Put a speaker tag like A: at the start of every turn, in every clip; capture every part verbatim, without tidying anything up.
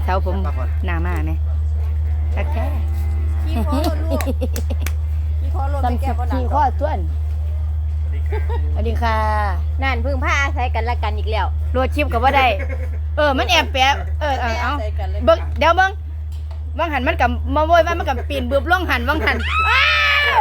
A: เท้าผมหน้ามาไหมตักแค่
B: ขี้คอหล่นลูกขี้คอหล่นไปแก้บ่หนัก
A: ขี้ข้อส่วนสวัสดีค่ะ
B: นั่นพึ่งผ้าอาศัยกันละกันอีกแล้ว
A: โหลดชิปกับว่าได้เออมันแอบแปะเออเอาเอาเบิ้งเดี๋ยวเบิ้งวังหันมันกับมาโวยว่ามันกับปีนบืบล่องหันวังหันอ้าว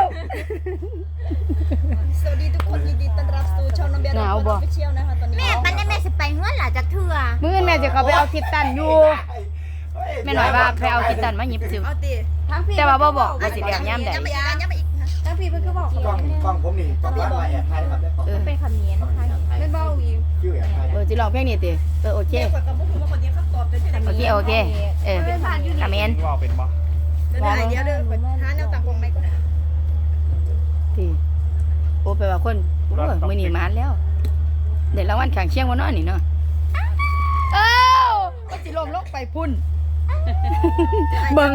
C: สวัสดีทุกคนยินดีต้อนรับสู่ช่องน้องเบียร์
A: หนาวบ่
C: ไปเที่ยวนะคะตอนนี้
B: แม่ปันได้แม่สิไปเฮือนหล่ะจักเทื่อ
A: มื้อแม่จะเขาไปเอาทิศตันอยู่แม่หน่อยว่าไปเอาทิศตันมาหยิบซิว
C: เอาติ
B: ทั้งพี่
A: แต่ว่าบ่บอกว่าสิแดงย่ำใด
C: ย้ำไปอีกนะย้ำไปอีกนะ
B: ทั้งพี่เพิ่นก็บอก
D: กล้องกล้องผมนี่กล้องร้านมาแอบถ่ายครับ
A: เออ
B: เป็นคำเนียนค่ะไม่เบาอีก
D: ชื่อแอบถ่าย
A: เออสิลองเพลงนี้ติเออโอเค
C: เกี่ยวกับพวกคุณว่าคนนี้เขาตอบได้ที่ไหน
A: โอเคโอเคเออคอมเมนต์
E: ว่าเป็นบ่
C: เดี๋ยวเดี๋ยวเดี๋ยวหาแนวต่างของไหมก่อน
A: ที่โอ้ไปว่าคนโอ้ยมื้อนี้มานแล้วเดี๋ยวรางวัลข้างเชียงบ่เนาะนี่เนาะเอ้าก็สิลมลงไปพุ่นเบิ่ง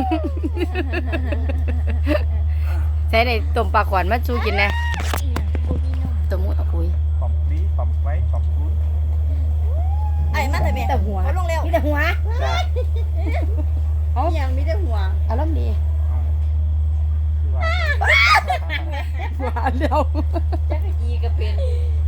A: ใช้ได้ต้มปลาขวานมาสู้กินแน่ต้มหมูอุ้ย
E: ปอมปลีปอมไว้ปอมคูน
C: ไอ้มาแต่แม่
A: แต่หัว
C: เขาลงเร็ว
A: มีแต่หัว
C: เอายังมีแต่หัว
A: อารมณ์ดี
E: คือว่า
A: หวานแล้ว
B: จักอีก็เป็น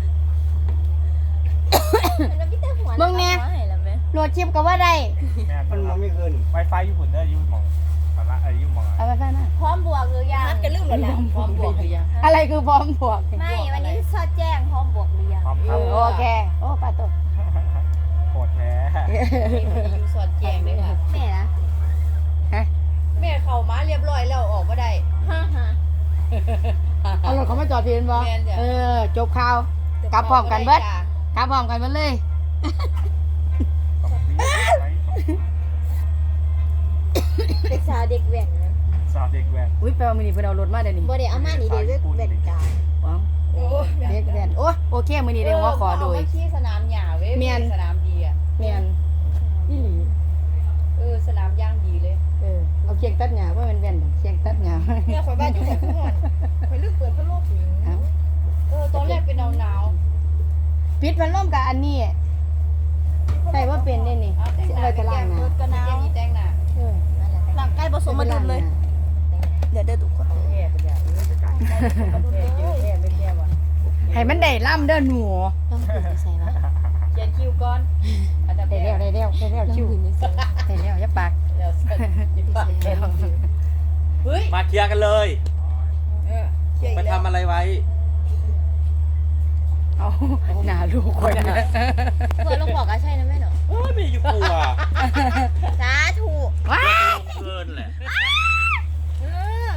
B: มันมีแต่หัว
A: มึงแน่โหลดชิปก็ว่าได้
E: แม่
D: มันมองไม่ขึ้น
E: ไวไฟญี่ปุ่นเด้อยุ่มองสาระไอ้ยุ่มอง
A: เอาไปมา
B: พร้อมบวกหรือยัง
C: นัดกันลืมหมดแล้ว
B: พร้อมบวกหรือยัง
A: อะไรคือพร้อมบวก
B: ไม่วันนี้ซอดแจ้งพร้อมบวกหรือยัง
E: พร้อมค
A: เอ
E: รับ
A: อโอเคโอ้ปลาตัว
E: โคตรแท้
B: อยู่ซอดแจ้งด้วยค่ะแม่นะ
A: ฮะ
B: แม่เข้ามาเรียบร้อยแล้วออกมาได้ฮ่าฮ่า
A: เอารถเขามาจอดเพียนบ่
B: แม่นจ้ะ
A: เออจบข่าวกลับพร้อมกันเบิดกลับพร้อมกันเบิดเลย
E: ปอมปลีไว้ปอมคูน
B: เด็กสาวเด็กแว่นนะ
E: สาวเด็กแว้น
A: อุ้ยแปลว่ามื้อนี้เพิ่นเอารถมาเด้อนี่
B: บ่ได้เอามานี่เด็กแว่นกา
A: ว้าว
C: โอ้
A: เด็กแว่นโอ้โอเคมื้อนี้ได้หัวขอโดย
B: เที่สนามหญ้าเว้ย
A: แม่น
B: สนามดีอ่ะ
A: แม่นอีหลี
B: เออสนามย่างดีเลย
A: เออเอาเคียงตัดหญ้าว่ามันแว่นดอกเคียงตัดหญ้า
C: แม่ข่อยบ้านอยู่ไหนทุกคนข่อยลืมเปิดพัดลม
A: เอา
B: เออตอนแรกเป็นหนาวหนาว
A: ปิดพัดลมกับอันนี้ใส่ว่าเป็นได้นี่
B: ๆเอาแต่ง
A: สิ
B: ห
A: เอา
B: น้า
A: ไว้กะล่าง
B: ร
A: นะ
B: ถก็หนาวแต่งหน้า
A: เออ
C: หลังใกล้ผสมมาดุมเลย เดี๋ยวเดี๋ยวทุกคน
B: แย่ไปแล้วเออจะจ่ายแย่แย่ไม่แย่ว่ะ
A: ให้มันได้ล่ำเด้อหนู
B: ต้องถึงไปใส่วะเขียนคิวก่อนอันดับ
A: ได้
B: แร
A: แล้ว
B: ก
A: ได้แล้วได้แล้วชิวได้แล้วอย่าปาก
B: เดี๋ยวใส่ยิบปาก
A: ได้แล้ว
B: เฮ้ย
F: มาเคลียร์กันเลย
C: เออเชี่ย
F: ไป
C: อีกแล้ว
F: ทำอะไรไว้
A: เอาหน้าลูกคนนะ
B: เพื่อนลูกบอกก็ใช่นะแม่เนาะ
F: โอ้ยไม่อยู่กลัว
B: สาธุ
A: ว้า
F: เกินแหละ
C: เออ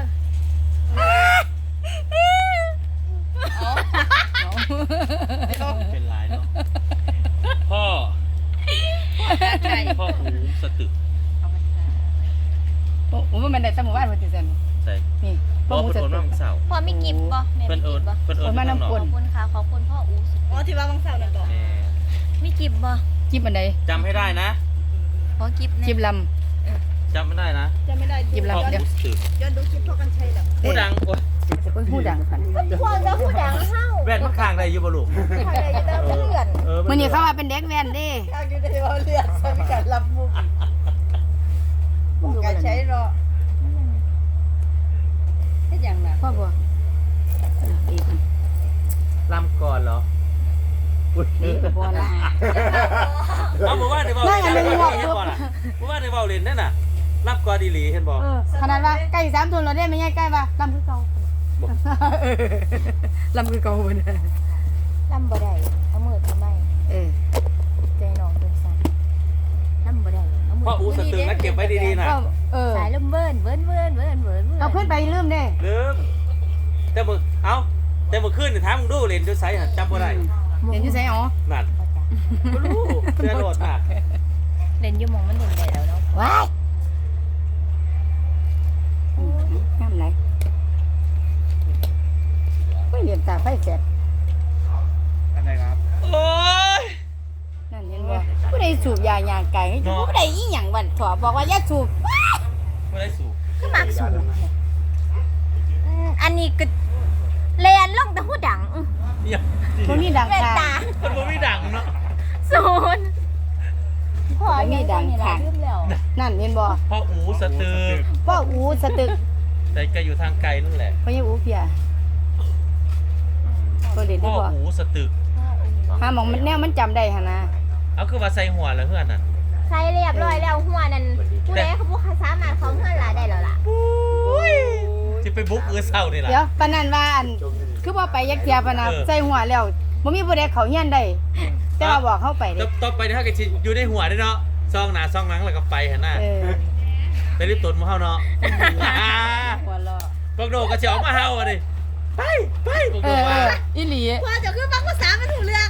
F: เป็นไรเนาะ พ่อ พ่อหูสตึก
A: โอ้มันได้สมุนไพรมาติเซน
F: ใส่
A: นี่
F: พ่อเพิ่นโอนมาเมื่อเสาร์
B: พ่อมีกิฟต์ป่ะแม่
F: เพิ่น
B: มี
F: โอ
B: กิฟ
F: น
B: ต์ป่ะ
F: เพิ่นโอนมาน้ำหนอ
B: ขอบคุณค่ะขอบคุณพ่ออูส
C: อ๋อที่ว่าบางเสาร์นั่นบอก
F: แม่
B: มีกิฟต์ป่ะ
A: จิบอันใด
F: จำให้ได้นะ
B: ขอกิฟต์
A: จิ
B: เนี่ย
A: บล
F: จำไม่ได้นะ
C: จะไม่ได้
A: หยิบ
F: พ่
A: แล้
F: อ
A: ว
F: หูสตึก
C: ย้อนดูคลิปพ่อกันชัยแบบ
F: ผู้ดังโอ้ย
A: ำโอ้ยพูดดังพัน
B: พ่อจะพูดดังเข้า
F: แว่นมันข้างได้อยู่บ่ลูก
C: ใครได้ยินได้เลื่อน
F: เออ
A: มื่อนี้เข้ามาเป็นเด็กแว่นเดิ
C: ข้างอยู่ได้ว่าเลื่อนใช้การรับมุกบอกการใช้รอที่อย่างน่ะ
A: พ่อบัวอีก
F: ลำก่อนเหรออุ๊ย
A: นี่กับบัวละ
F: เอาบอกว่าในเว้า
A: นั่งอันหนึ่งหมวก
F: เห็นบ่ล่ะบอกว่าในเว้าเล่นนั่นน่ะรับก่อนดีหลีเห็นบ่
A: เออขนาดว่าใกล้สามทุนเราได้ไม่ใช่ใกล้ป่ะลำคือเก่าลำคือเก่าเลย
B: ลำบ่ได้เอามือทำไม
A: เออ
B: ใจน้องเป็นสั่นลำบ่ได้เอามือ
F: พ่ออูสตึกนะเก็บไว้ดีๆนะ
A: ก็เออ
B: สายลมเบิ้นเบิ้นเบิ้นเบิ้นเบิ้น
A: เอาขึ้นไปลืมเด้
F: ลืมแต่มึงเอ้าแต่มึงขึ้นนี่ถามมึงดูเล่นด้วยไสหั่นจำบ่ได้
A: เห็นอยู่ไสอ๋อ
F: นั่นบ่รู้เสื้อโหลดมาก
B: เล่นอยู่มองมันเล่นได้แล้วเนาะ
A: ว้ายน้ำไหลไม่เรียนตาไฟแสบ
E: อะไรครับ
F: โอ้ย
A: นั่นเห็นบ่ผู้ใดสูบยายางไก่ให้อยู่ผู้ใดอีหยังวันขอบอกว่าอย่าสูบ
F: ไม่ได้สูบ
B: ขึ้นมากสูงอันนี้ก็แลนลงแต่หูดัง
F: เนี่ย
A: คนนี้ดัง
B: แว่น
A: ค่ะ
B: ตา
F: มันบ่มีดังเนาะ
B: ศูนย์
A: บ่มีดังค่ะ
B: ลืมแล้ว
A: นั่นเห็นบ่
F: พ่ออูสตึก
A: พ่ออูสตึก
F: แต่ก็อยู่ทางไกลนั่นแหละ
A: พ่อยังอูเพียก็เล่น
F: พ่
A: ได้
F: อ
A: บ่
F: อูสตึก
A: หาหมองมันแนวมันจำได้หั่นนะ
F: เอาคือว่าใส่หัวแล้วเพื่อนน่ะ
B: ใส่เรียบร้อยแล้วหัวนั่นผู้ใดเขาบ่สามารถเขาเฮือนหลาได้แล้วล่ะ
F: จะไปบุกเอือเศร้านี่ล่ะ
A: เดี๋ยวปานนั้นว่าอันคือบ่ไปยักเทียปานน่ะ
F: เออ
A: ใส่หัวแล้วบ่มีผู้ใดเข้าเฮียนได้แต่ว่าบอกเข้าไปเด้
F: ต่อต่อไปถ้าเกิดอยู่ในหัวได้เนาะซองหน้าซองหลังแล้วก็ไปหั่นน่ะ
A: เออ
F: ไปรีบตนมาเฮาเนาะ
A: หัวเราะ
F: พวกโดก็สิออกมาเฮาอ่ะดิไปไปพวก
A: เอ
F: โด
A: อเอ
F: ว่า
A: ออีหลี
C: พอจะคือฟังภาษามันถูกเรื่อง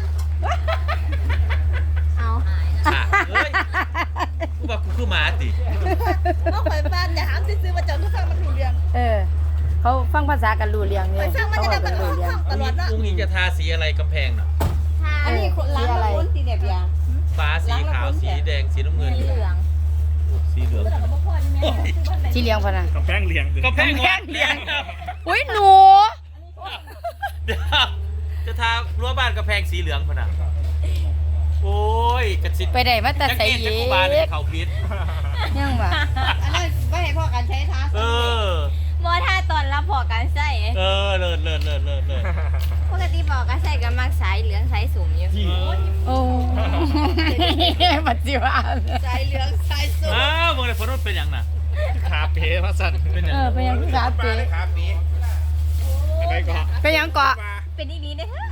B: เอา
F: อ่ะเอ้ยกูว่ากูคือหมาติ
C: เพราะข่อยฟังอย่าถามซื้อๆมาเจอคือฟังมันถูกเรื่อง
A: เออ เขาฟังภาษากันรู้เรื่อง
C: ข่
A: เนี่
C: อย ยฟังมัน
A: เขา
C: จะ
A: เว้า
C: ได้
A: กั
C: มัน น
A: รู้
C: ออก
A: เรื่อง
C: ท่องตลอดเนาะ
F: อุ้งอิงจะทาสีอะไรกำแพงน่ะ
C: อันนี้ร้านละคนสีแบบยา
F: ฟ้าสีขาวสีแดงสีน้ำเงิน
B: เหลือง
F: สีเหลือง
C: แต่ก็บ่พอนี่แม่ซื้อบ้านไหน
A: ที่เลี้ยงพะนะ
E: กำแพงเลียง
F: กำแพง
A: กำแพง
F: เลี้ยง
A: อุ้ยหนู
F: เดี๋ยวจะทารั้วบ้านกำแพงสีเหลืองพะนะโอ้ยกระสิ
A: ไปได้มาแต่
F: จัก
A: ใส่
F: เอ็น
A: เย
F: จักกูบาลเนี่ยเขาพิษ
A: ยังวะ
C: อันนั้นไม่ให้พ่อการใช้ท้า
F: เออ
B: บ่ถ้าตอนรับพอกันใส่
F: เออเลิศเลิศเลิศเลิศเลิศ
B: ปกติพอกันใส่ก็มักสายเหลืองสายสูงอยู่
A: โอ้ปัจจุบัน
C: สายเหลืองสายส้ม
F: อ้าวมึงเลยฝนมันเป็นอย่างน่ะ
E: ขาเป๋มาสั่น
F: เป็นอย่าง
A: เออไปยังขาเป๋
D: ครับปี
E: อะไรก็
A: ไปยังเกาะ
B: เป็นอีหลีเด้อเถอะ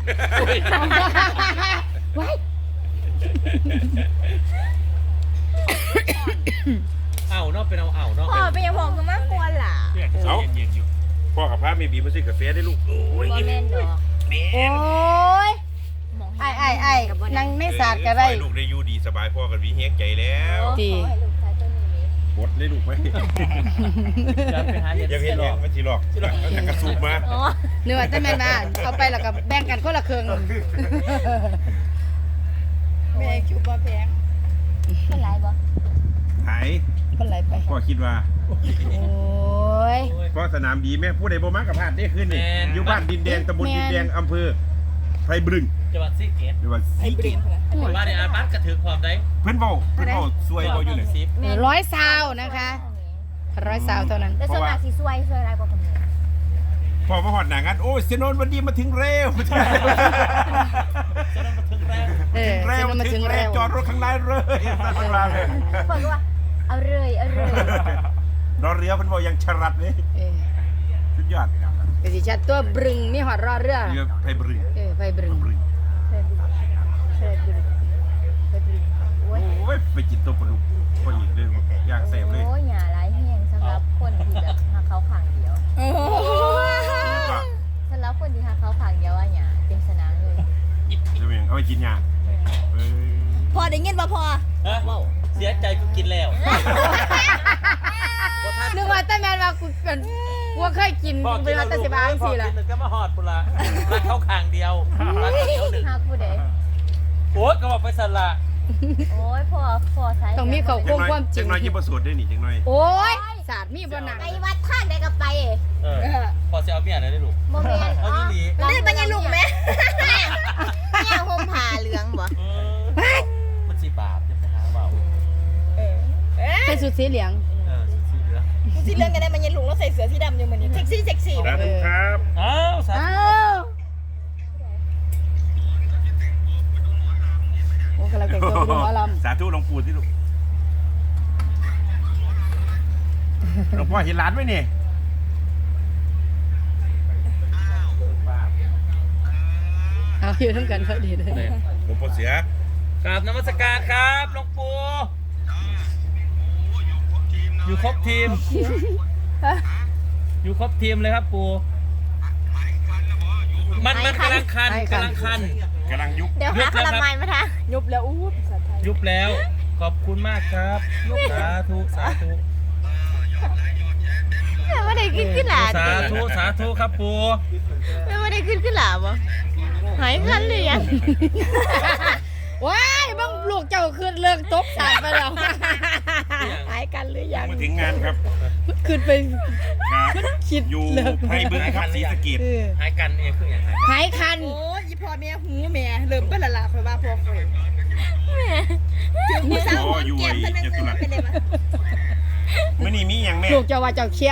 A: ไว้
F: เอ้าเนาะเป็นเอาเอ้าเนาะ
B: พ่อเป็นยังพอคือมากควรล่ะ
E: เอาเย็นๆอยู่
G: พ่อกับพระไม่บีมาซื้อกาแฟได้ลูกโอ้ย
B: บ่แม่นดอก
A: โอ้ย
B: หมอง
A: ไอ้ไอ้ไอ้นั่งไม่สาดกัน
G: ได้
A: ได้
G: ลูกได้อยู่ดีสบายพ่อกันวีเฮงใจแล้ว
A: ดี
B: ขอให้ลูกชายตัวนี้
G: กดเลยลูกไหม
F: จะไปหาเห็ด
G: ยังเห็น
F: ห
G: ห
F: ร
G: ร
F: อ
G: อก กมันจีหลอกแล้วกระสูบมา
B: อ๋อ
A: เนื้อแต่แม่นมาเอาไปแล้วก็แบ่งกันคนละครึ่ง
C: แม่คิวบ่แพง
B: เป็นไรบ่
G: หาย
A: คนไหลไป
G: พ่อคิดว่า
A: โอ้ย
G: พ่อสนามดีแม่ผู้ใดบ่มากับพลาดได้ขึ้นนี่อยู่บ้านดินแดงตำบลดินแดงอำเภอไพรบึง
F: จังหวัดซีเกต
G: หรือว่า
C: ไอ้
G: สี
C: เบร
G: เก
C: น
G: ต
C: นะ
F: บ้านในอาร์บัสกระถือความได้
G: เพิ่นเว้าเพิ่นเว้าซวยเว้าอยู่เลย
F: สิบ
A: ร้อยซาวนะคะร้อยซาวเท่านั้น
B: แต่ส่วนมากสิซวยซวยหลายกว่าคนนี้
G: พอมาหอดหนังกันโอ้ยเซนนวันดีมาถึงเร็วมาถึงเร็ว
A: เออ
G: เร็ว
A: จะมา
G: มา
A: ถึ
G: ถึ
A: ง
G: ง
A: เร็
G: เร็ว
A: ว
G: จอดรถข้างในเลยตั้งเวลาเลย
B: เพิ่นก็ว่าเอาเลยเอาเลย
G: รอเรือเพิ่นบอกยังฉลัดเลย
A: เออ
G: สุดยอด
A: กสิชัดตัวบรึงมีหอดรอเรือ
G: เรือไพรบึง
A: เออไปบรึง
G: บึง
B: เคยดูเคยดูเคยดูโอ้ย
G: โอ้ยไปกินตัวปลาดุกพออีกเลยย่างแซ่บเลย
B: โอ้ยหย่าหลายแห้งสำหรับคนที่แบบหาเขาขังเดียว
C: โอ้โห
G: ก็
B: สำหรับคนที่หาเขาขังเดียวว่าหย่าเป็นสนามเลย
G: จะเป็นเอาไปกินยาเอ้ย
C: พอได้ยินบ่พอ
F: ฮะเสียใจกูกินแล้ว
A: นึกว่าแต่แม่นว่ากูเป็นกูเคยกินกูเป็นว่าแต่สิบาจังซี่ล่ะ
F: พ่อกินก็มาหอดปุระรักเข้าข้างเดียวรักเดียวหนึ่ง
B: หาผู้ใด
F: โอ๊ยก็บอกไปสละ
B: โอ้ยพ่อพ่อใช้
A: ต้องมีเขา
G: จังน้อย
A: ความจริ
G: จั
A: ง
G: งน้อยยิ่งประสูตรได้หนิจังน้อย
A: โอ้ยศาสตร์มีบ่หนัง
B: ไปวัดท่านได้ก็ไป
F: เออพอจะเอาเมียอะไรได้ลูก
B: โมเมนต์
F: เอาอีหลี
C: เล่นมันยังลุงไหม
B: แม่ห่มผ้าเหลืองบ่
F: เออมันสีบาปจะไปหาเบา
A: ใส่สุดสีเหลือง
F: เออสีเหลือง
C: กูสิเรื่องกันได้มันยังลุงแล้วใส่เสื้อสีดำอยู่เหมือนนี้เซ็กซี่เซ็กซี่
G: สาธุครับ
F: อ้าวสา
A: อ้า
F: ธุ
A: วโอ้กำลังแต่งตัวไปดูหมอลำ
G: สาธุหลวงปู่ที่ลูกหลวงพ่อเห็นหลานไหมนี่
A: เอาอยู่ทั้งกันพอดีเลย
G: หลวงพ่อเสือก
F: ราบนมัสการครับหลวงปู่อยู่ครบทีม อยู่ครบทีมเลยครับปู่มันมันกำลังคันกำลังคัน
G: กำลังยุบ
B: เดี๋ยวหาขนมไม้มาทาง
C: ยุบแล้วอู้ภาษาไทย
F: ยุบแล้ว ขอบคุณมากครับ สาธุ สาธุ
B: ไม่ได้ขึ้นขึ้นหลา
F: สาธุ สาธุครับปู่
B: ไม่ได้ขึ้นขึ้นหลาบ่หายคันเลยยัง
A: ว้ายบ้างลูกเจ้าขึ้นเลิกตบสารไปแล้วหายกันหรือยัง
G: มาถึงงานครับ
A: ขึ้นไป
G: ครับ
A: คิด
G: อยู่
A: เลิก
G: ไพรบึงครับศรีสะเกษ
A: เออ
F: หายกันเองคืออย่างไร
A: หายคัน
C: โอ้ยอีพ่อแม่หูแม่เริ่มเป็นละละคอยว่าพ่อคอยถึงผู้สาวหัวแก้มท่านนึงเป็นเลยปะ
G: มื้อนี้มีหยังแม่
A: ลูกเจ้าว่าเจ้าเขี้ยว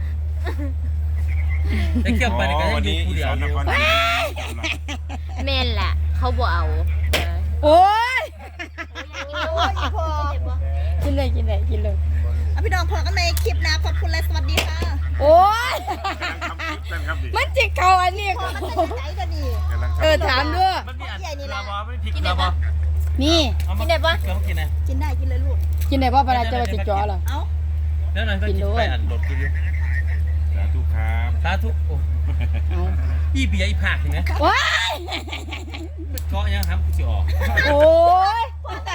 F: ได้เกี่ยวไปนี่ก็ยัง
G: วัน
F: อยู่
G: นี้
F: กู
G: อี
F: เดียว
G: สาน
F: อน ยู่
G: คร
B: แม่นแหละเขาบ่เอา
A: โอ้ย
C: โอ้ยพอ
A: กินเลยกินเลยกินเลย
C: เอาพี่น้องพอกันในคลิปนะขอบคุณและสวัสดีค่ะ
A: โอ้ย
G: นั่นครับดิ
A: มันจิกเขาอันนี้
C: พอกันเป็นใจกันดี
G: กำลัง
A: เออถามด้วย
F: มันมีอันเกลือบอไม่พริกเกลือบอ
A: นี่
B: กินได้ปะ
F: เกลือมากินนะ
C: กินได้กินเลยลูก
A: กินได้เพราะปลาจะมาจิกจอเหรอ
C: เอ้า
F: แล้วหน่อยก็กินไปอันรถกินอยู่
G: สาธุครับ
F: สาธุโอ้
A: เอา
F: อีเบียร์อีผักเห็นไหม
A: ว้าย
F: เกาะยังทำกูจะออก
A: โอ้ย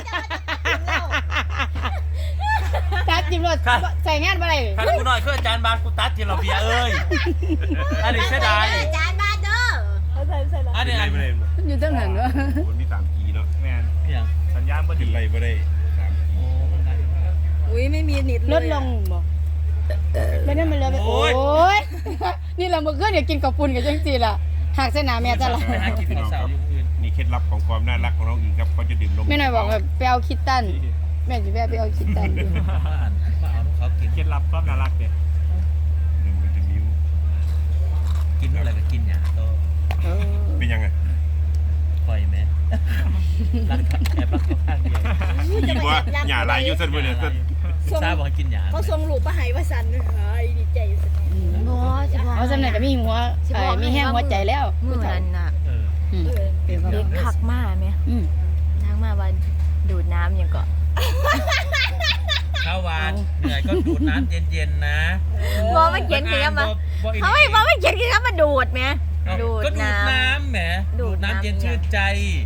A: ตัดจิ้มรถใส่งานอะไร
F: คันกูหน่อยคืออาจารย์บานกูตัดทีเราเบียร์เอ้ยอันนี้เสียดาย
B: จานบาทเด้อ
C: เอาใส่ใส่ละ
F: อันนี้อัน
G: ไม่ได้
A: อยู่ตั้งนั้นวะ
G: มันมีสามกีเนาะ
E: แมน
F: อย่าง
E: สัญญาณบ่
G: ขึ้
E: ดี
G: นไรบ่ได้สามกี
F: โอ้มันได้
C: อุ้ยไม่มีนิดเลย
A: ลดลงบ่ไม่ได้มันเลยโอ้ยนี่เราเมื่อคืนเนี่ยกินกับปุ่นกับจังสีล่ะหากเส้นหนาแม่จะละ
F: ไปหากินข้าวสาวอยู่อื่น
G: นี่เคล็ดลับของความน่ารักของน้องอิงครับเขาจะดื่มนม
A: แม่หน่อยบอกแบบไปเอาคิดตันแม่จะแม่ไปเอาคิดตันอยู่
F: มาอ่านมาเอาลูกเขากิน
E: เคล็ดลับความน่ารักเด็ด
G: ดื่มวิตามิน
F: กินอะไรก็กินอย่างโต
A: เออ
G: เป็นยังไง
F: คอยไหมรักแอบรักเขาข้างเดียว
G: ยิงว่าหย่าลายอยู่เส้นบ่เนี่ยเส้น
F: ทราบว่ากินหยา
C: เขาส่งลูกมาให้ว่าสันเฮ้ยดีใจสุด
B: บ่สิบ่
A: เอาสำเร็จก็มีหัวเอ้ยมีแห้งหัวใจแล้ว
B: มื้อนั้นน่ะ
F: เออ
A: อืม
B: เด็กทักมาแม่
A: อืม
B: ทักมาว่าดูดน้ำหยังก็
F: ข้าวหวานเหนื่อยก็ดูดน้ำเย็นๆนะ
B: บ่มาเขียนคือมาเฮ้ยบ่มาเขียนคือมาดูดแม่ดูด
F: ก็ดูด
B: น้ำ
F: น้ำแหม
B: ดู
F: ดู
B: ด
F: ด
B: น้ำ
F: น้ำเย็นชื่นใจ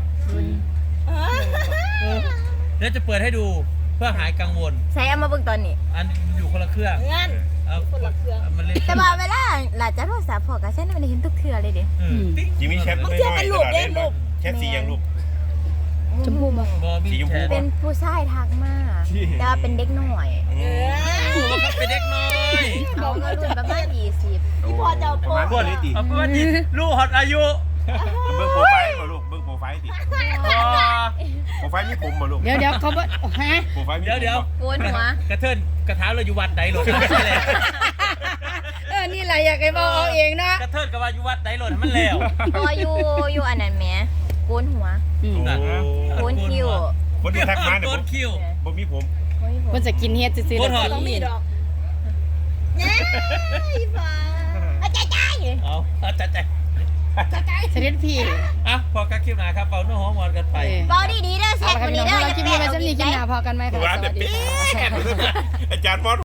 F: เออเดี๋ยวจะเปิดให้ดูเพื่อหายกังวล
B: ใส่เอามาเบิ่งตอนนี้
F: อันอยู่คนละเครื่อง
C: งั้น
F: เอา
C: คนละเครื่อง
F: มันเล่น
B: แต่ว่าเวลาหลานจะโทรศัพท์พอกับฉันมันได้เห็นทุกเทื่อเลยเด้
F: เออติ๊ง
G: จิมมี่แชทน้อยๆตลอดเลยแชทสียังลูก
A: ชมพูบ่
F: บอบี้
G: สีชมพู
F: แชท
B: เป็นผู้ชายทักมาแต่ว่าเป็นเด็กน้อย
F: ถูกว่าเขาเป็นเด็กน้อย
B: เอามารุ่นประมาณยี่สิบ
C: พี่พอจะเอาโพ
G: ประมาณ
C: ส
G: พวกนี้ติ
F: เอาเป็นว่านี่ลูกหอดอายุ
G: เบิ้งโปรไฟล์บ่ลูกเบิ้งโปรไฟล์ติ
F: พอ
G: โปรไฟล์มีผมบ่ลูก
A: เดี๋ยวเดี๋ยวเขาบ่ฮะ
G: โปรไฟล์มี
F: เดี๋ยวเดี๋ยว
B: โกนหัว
F: กระเทินกระถาเราอยู่วัดไหนหล่นมันแล้ว
A: เออนี่แหละอยากให้บอกเอาเองนะ
F: กระเทินกับว่าอยู่วัดไหนหล่นมันแล้ว
B: พออยู่อยู่อันนั้นแหมโกนหัว
A: อืม
B: โกนคิ้ว
G: คนที่ทักมาเนี่ย
F: โก
G: ผม
F: นคิ้ว
G: บ่มีผม
A: มันจะกินเฮ็ดซื่อๆ
F: โคตรหอด
A: แล้ว
C: ต้องมี
A: สิ
C: ดอกเนี่ยพี่พอ
B: เอาใจใจ
F: เอาเอาจัดใจ
A: เสด็จพี่
F: อ่ะพอกักคลิปหนาครับเป่าเนื้อหอมหวานกันไป
A: เออ
B: เบาดีๆเด้อแซ่
A: เอา
B: บ
A: ละ
B: ก
A: ครับ
B: ว่า
A: พี่
B: นี้
A: น้อง
B: เด้อ
A: เราคลิปนี้ไว้สักนิดกินหน้าพอกันไหมคะ
G: ร้าน
A: ส
G: เด็
A: วั
G: ด
A: สดี
G: ปี๊
A: ค่ะ
G: ดอาจารย์มอส